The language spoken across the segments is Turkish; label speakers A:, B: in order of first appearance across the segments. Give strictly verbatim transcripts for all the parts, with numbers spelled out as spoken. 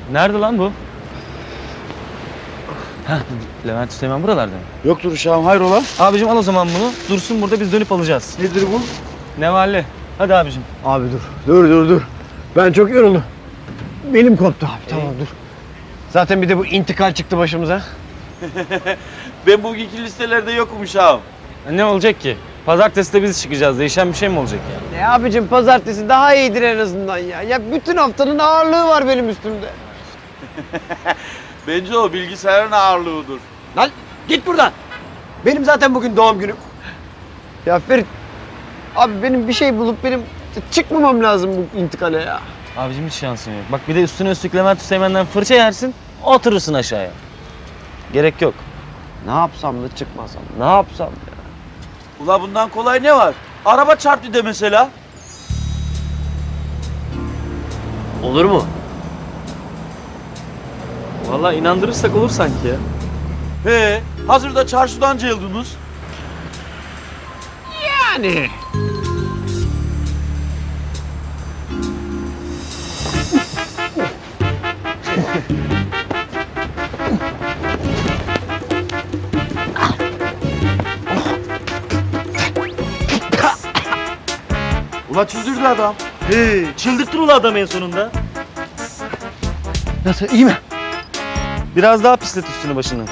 A: Nerede lan bu? Heh, Levent Süleyman buralarda mı?
B: Yoktur uşağım, hayrola?
A: Abicim al o zaman bunu. Dursun burada, biz dönüp alacağız.
B: Nedir bu?
A: Nevalli. Hadi abicim.
B: Abi dur, dur dur dur. Ben çok yoruldum. Belim koptu abi, tamam dur. Zaten bir de bu intikal çıktı başımıza.
C: Ben bugünkü listelerde yokum uşağım.
A: Ne olacak ki? Pazartesi de biz çıkacağız. Değişen bir şey mi olacak ya?
B: Ne abicim, pazartesi daha iyidir en azından ya. Ya bütün haftanın ağırlığı var benim üstümde.
C: Bence o bilgisayarın ağırlığıdır.
B: Lan git buradan. Benim zaten bugün doğum günüm. Ya Ferit, abi benim bir şey bulup benim çıkmamam lazım bu intikale ya.
A: Abicim hiç şansın yok. Bak bir de üstüne üstlük Levent Süleyman'dan fırça yersin, oturursun aşağıya. Gerek yok.
B: Ne yapsam da çıkmasam, ne yapsam ya?
C: Ula bundan kolay ne var? Araba çarptı de mesela.
B: Olur mu?
A: Vallahi inandırırsak olur sanki ya.
C: He, hazırda çarşıdan cayıldınız.
B: Yani.
C: Ula çıldırdı adam.
A: He, çıldırttın ula adam en sonunda.
B: Nasıl, iyi mi?
A: Biraz daha pislet üstünü başını.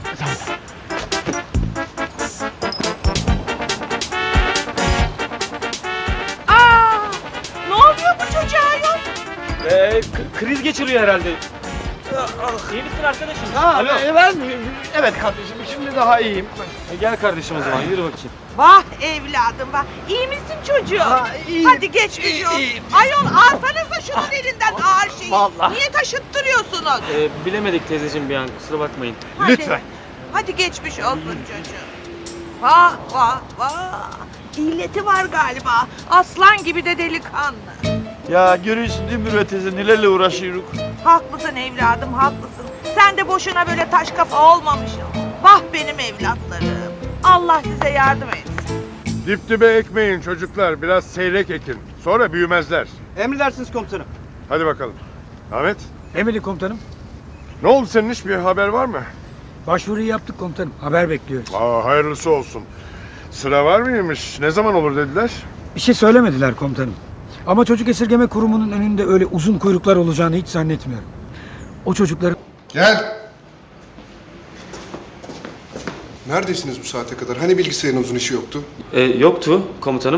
D: Aa, ne oluyor bu çocuğa yok?
A: Ee, kriz geçiriyor herhalde. İyi misin arkadaşım?
B: Ha,
A: Alo.
B: evet, evet kardeşim, şimdi daha iyiyim.
A: E, gel kardeşim o zaman, yürü bakayım.
D: Vah evladım vah. İyi misin çocuğum?
B: Ha, iyiyim.
D: Hadi geç
B: İyi-
D: çocuğum.
B: iyiyim.
D: Ayol alsanıza şunun elinden ağır şeyi.
B: Vallahi.
D: Niye taşıttırıyorsunuz?
A: Ee, bilemedik teyzeciğim bir an, kusura bakmayın.
D: Hadi.
B: lütfen.
D: Hadi geçmiş olsun çocuğum. Vah vah vah. İlleti var galiba. Aslan gibi de delikanlı.
C: Ya görüyorsun değil mi Mürvet teyze nelerle uğraşıyoruz.
D: Haklısın evladım haklısın. Sen de boşuna böyle taş kafa olmamışsın. Vah benim evlatlarım. Allah size yardım etsin.
E: Dip dibe ekmeyin çocuklar. Biraz seyrek ekin. Sonra büyümezler.
B: Emredersiniz komutanım.
E: Hadi bakalım. Ahmet,
F: Emredin komutanım.
E: ne oldu senin iş, bir haber var mı?
F: Başvuruyu yaptık komutanım. Haber bekliyoruz.
E: Aa, hayırlısı olsun. Sıra var mıymış? Ne zaman olur dediler?
F: Bir şey söylemediler komutanım. Ama çocuk esirgeme kurumunun önünde öyle uzun kuyruklar olacağını hiç zannetmiyorum. O çocukları
G: Gel. Neredesiniz bu saate kadar? Hani bilgisayarınızın işi yoktu?
A: Ee, yoktu komutanım.